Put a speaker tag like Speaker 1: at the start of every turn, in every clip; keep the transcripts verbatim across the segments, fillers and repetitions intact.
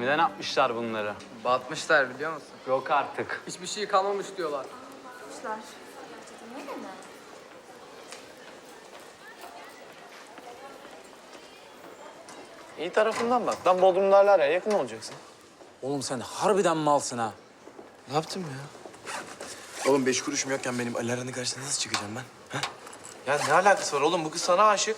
Speaker 1: Gemiden atmışlar bunları.
Speaker 2: Batmışlar biliyor musun?
Speaker 1: Yok artık.
Speaker 2: Hiçbir şey kalmamış diyorlar.
Speaker 3: Kuşlar. Niye mi?
Speaker 4: İyi tarafından bak. Lan Bodrum'da hala araya yakın olacaksın.
Speaker 5: Oğlum sen harbiden malsın ha.
Speaker 4: Ne yaptım ya? Oğlum beş kuruşum yokken benim Ali Aran'ın karşısına nasıl çıkacağım ben? Ha? Ya ne alakası var oğlum? Bu kız sana aşık.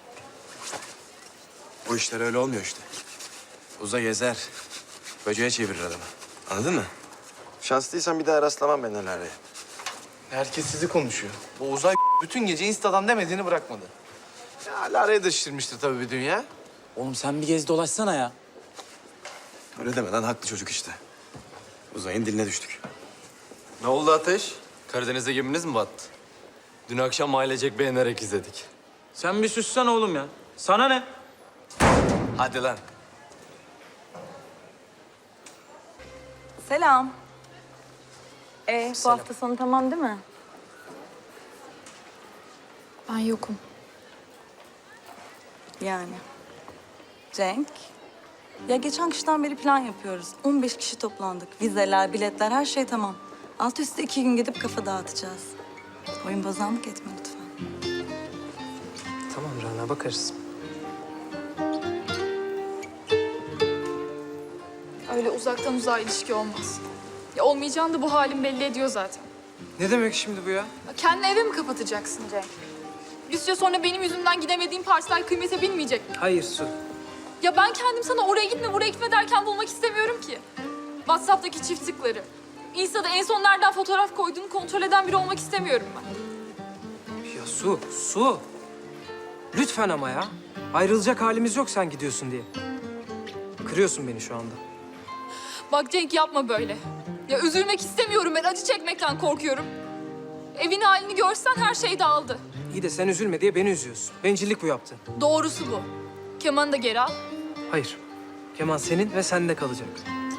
Speaker 4: O işler öyle olmuyor işte. Uza gezer. Böceğe çevirir adamı. Anladın mı? Şanslıysan bir daha rastlamam ben Ali Ara'ya. Herkes sizi konuşuyor. Bu uzay bütün gece Insta'dan demediğini bırakmadı. Ya Ali Ara'ya da şişirmiştir tabii bir dünya.
Speaker 5: Oğlum sen bir gez dolaşsana ya.
Speaker 4: Öyle deme lan, haklı çocuk işte. Uzay'ın diline düştük.
Speaker 6: Ne oldu Ateş? Karadeniz'de geminiz mi battı? Dün akşam ailecek beğenerek izledik.
Speaker 5: Sen bir sussana oğlum ya. Sana ne?
Speaker 4: Hadi lan.
Speaker 3: Selam. Ee, bu hafta sonu tamam değil mi?
Speaker 7: Ben yokum.
Speaker 3: Yani. Cenk. Ya geçen kıştan beri plan yapıyoruz. on beş kişi toplandık. Vizeler, biletler, her şey tamam. Alt üstü iki gün gidip kafa dağıtacağız. Oyun bozanlık etme lütfen.
Speaker 2: Tamam Rana, bakarız.
Speaker 7: Öyle uzaktan uzağa ilişki olmaz. Ya olmayacağını da bu halin belli ediyor zaten.
Speaker 2: Ne demek şimdi bu ya?
Speaker 7: Ya kendini eve mi kapatacaksın Cenk? Bir süre sonra benim yüzümden gidemediğim parsel kıymete binmeyecek mi?
Speaker 2: Hayır Su.
Speaker 7: Ya ben kendim sana oraya gitme, buraya gitme derken bulmak istemiyorum ki. WhatsApp'taki çift tıkları. Insta'da en son nereden fotoğraf koyduğunu kontrol eden biri olmak istemiyorum ben.
Speaker 8: Ya Su, Su. Lütfen ama ya. Ayrılacak halimiz yok sen gidiyorsun diye. Kırıyorsun beni şu anda.
Speaker 7: Bak Cenk yapma böyle. Ya üzülmek istemiyorum ben, acı çekmekten korkuyorum. Evin halini görsen her şey dağıldı.
Speaker 8: İyi de sen üzülme diye beni üzüyorsun. Bencillik bu yaptığın.
Speaker 7: Doğrusu bu. Kemanı da geri al.
Speaker 8: Hayır. Keman senin ve sende kalacak.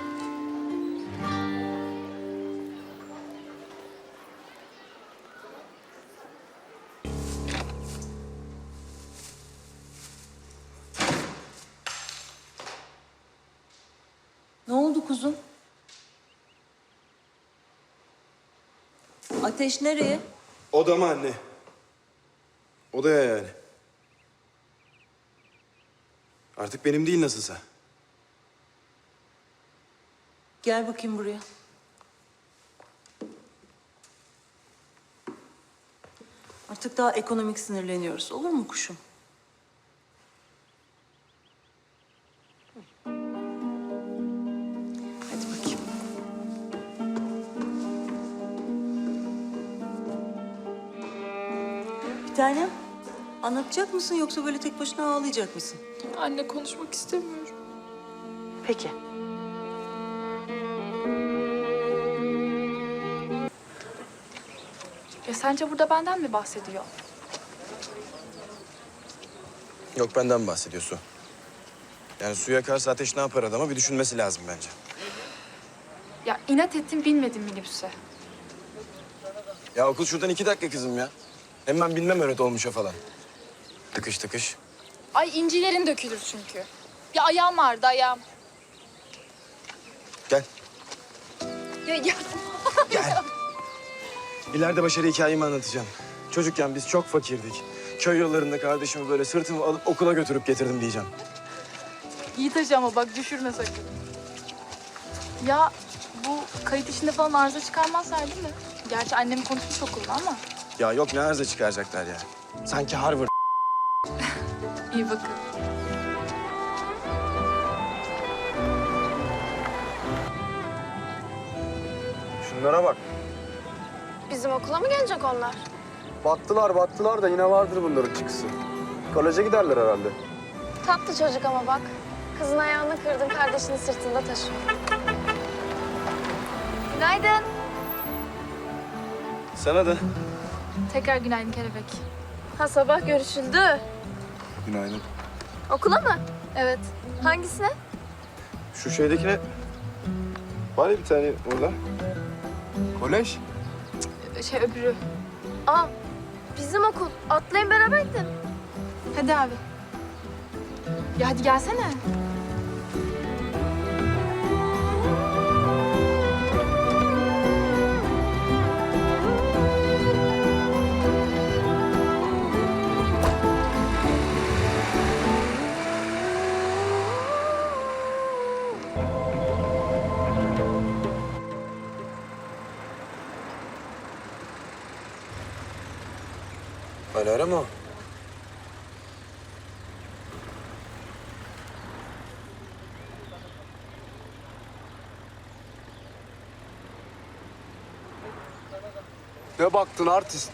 Speaker 3: Ne oldu kuzum? Ateş nereye?
Speaker 4: Odama anne. Odaya yani. Artık benim değil nasılsa.
Speaker 3: Gel bakayım buraya. Artık daha ekonomik sinirleniyoruz. Olur mu kuşum? Hadi bakayım. Bir tanem, anlatacak mısın yoksa böyle tek başına ağlayacak mısın?
Speaker 7: Anne, konuşmak istemiyorum.
Speaker 3: Peki.
Speaker 7: Ya sence burada benden mi bahsediyor?
Speaker 4: Yok, benden bahsediyor Su. Yani suya karşı Ateş ne yapar adama bir düşünmesi lazım bence.
Speaker 7: Ya inat ettim, binmedim minibüse.
Speaker 4: Ya okul şuradan iki dakika kızım ya. Hem ben bilmem öyle dolmuşa falan. Tıkış tıkış.
Speaker 7: Ay incilerin dökülür çünkü. Ya ayağım ağrıdı, ayağım.
Speaker 4: Gel.
Speaker 7: Ya, ya.
Speaker 4: Gel. İleride başarı hikayemi anlatacağım. Çocukken biz çok fakirdik. Köy yollarında kardeşimi böyle sırtımı alıp okula götürüp getirdim diyeceğim.
Speaker 7: İyi taşı ama bak düşürme sakın. Ya bu kayıt işinde falan arıza çıkarmazlar değil mi? Gerçi annem konuşmuş okulda ama.
Speaker 4: Ya yok, ne arıza çıkaracaklar ya. Sanki Harvard.
Speaker 7: İyi bakın.
Speaker 4: Şunlara bak.
Speaker 9: Bizim okula mı gelecek onlar?
Speaker 4: Battılar battılar da yine vardır bunların çıkısı. Koleje giderler herhalde.
Speaker 9: Tatlı çocuk ama bak. Kızın ayağını kırdın, kardeşini sırtında taşıyor. Günaydın.
Speaker 4: Sana da.
Speaker 7: Tekrar günaydın kelebek.
Speaker 9: Ha, sabah görüşüldü.
Speaker 4: Günaydın.
Speaker 9: Okula mı?
Speaker 7: Evet.
Speaker 9: Hangisine?
Speaker 4: Şu şeydekine... Var ya bir tane orada. Kolej.
Speaker 7: Şey öbürü.
Speaker 9: Aa, bizim okul. Atlayın beraber gidin.
Speaker 7: Hadi abi. Ya hadi gelsene.
Speaker 4: Alara mı o?
Speaker 6: Ne baktın artist?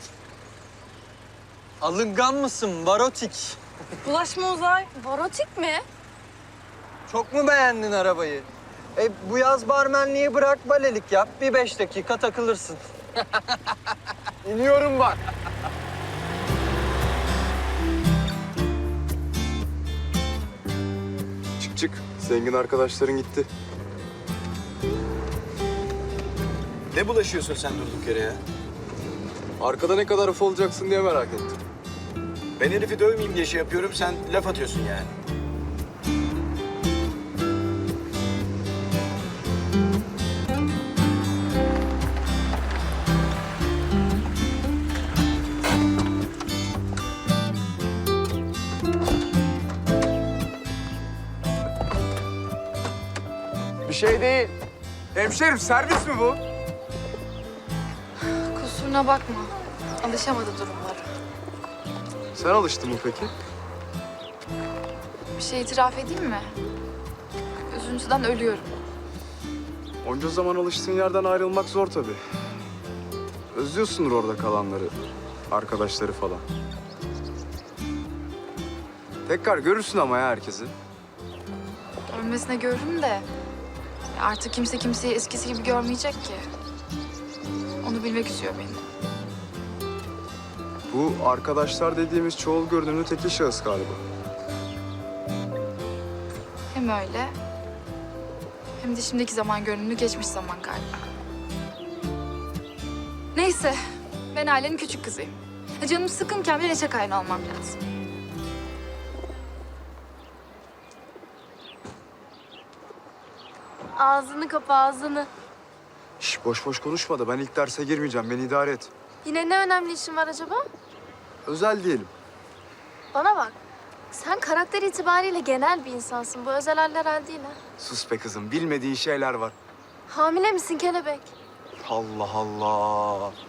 Speaker 2: Alıngan mısın varotik?
Speaker 3: Bulaşma Uzay.
Speaker 9: Varotik mi?
Speaker 2: Çok mu beğendin arabayı? E bu yaz barmenliği bırak balelik yap. Bir beş dakika takılırsın.
Speaker 6: İniyorum bak.
Speaker 4: Çık çık. Zengin arkadaşların gitti. Ne bulaşıyorsun sen durduk yere ya?
Speaker 6: Arkada ne kadar uf olacaksın diye merak ettim.
Speaker 4: Ben herifi dövmeyeyim diye şey yapıyorum, sen laf atıyorsun yani.
Speaker 6: Bir şey değil. Hemşerim servis mi bu?
Speaker 7: Kusuruna bakma. Alışamadı durumlara.
Speaker 6: Sen alıştın mı peki?
Speaker 7: Bir şey itiraf edeyim mi? Üzüntüden ölüyorum.
Speaker 6: Onca zaman alıştığın yerden ayrılmak zor tabii. Özlüyorsundur orada kalanları, arkadaşları falan. Tekrar görürsün ama ya herkesi.
Speaker 7: Görmesine görürüm de ya artık kimse kimseyi eskisi gibi görmeyecek ki. Onu bilmek üzüyor beni.
Speaker 6: Bu arkadaşlar dediğimiz çoğul görünümlü tekil şahıs galiba.
Speaker 7: Hem öyle hem de şimdiki zaman görünümlü geçmiş zaman galiba. Neyse, ben ailenin küçük kızıyım. Ya canım sıkınken bir neşe kaynağı olmam lazım.
Speaker 9: Ağzını kapa ağzını.
Speaker 6: Şş, boş boş konuşma da ben ilk derse girmeyeceğim. Beni idare et.
Speaker 9: Yine ne önemli işin var acaba?
Speaker 6: Özel diyelim.
Speaker 9: Bana bak. Sen karakter itibariyle genel bir insansın. Bu özel haller hal değil ha.
Speaker 6: Sus be kızım. Bilmediğin şeyler var.
Speaker 9: Hamile misin kelebek?
Speaker 6: Allah Allah.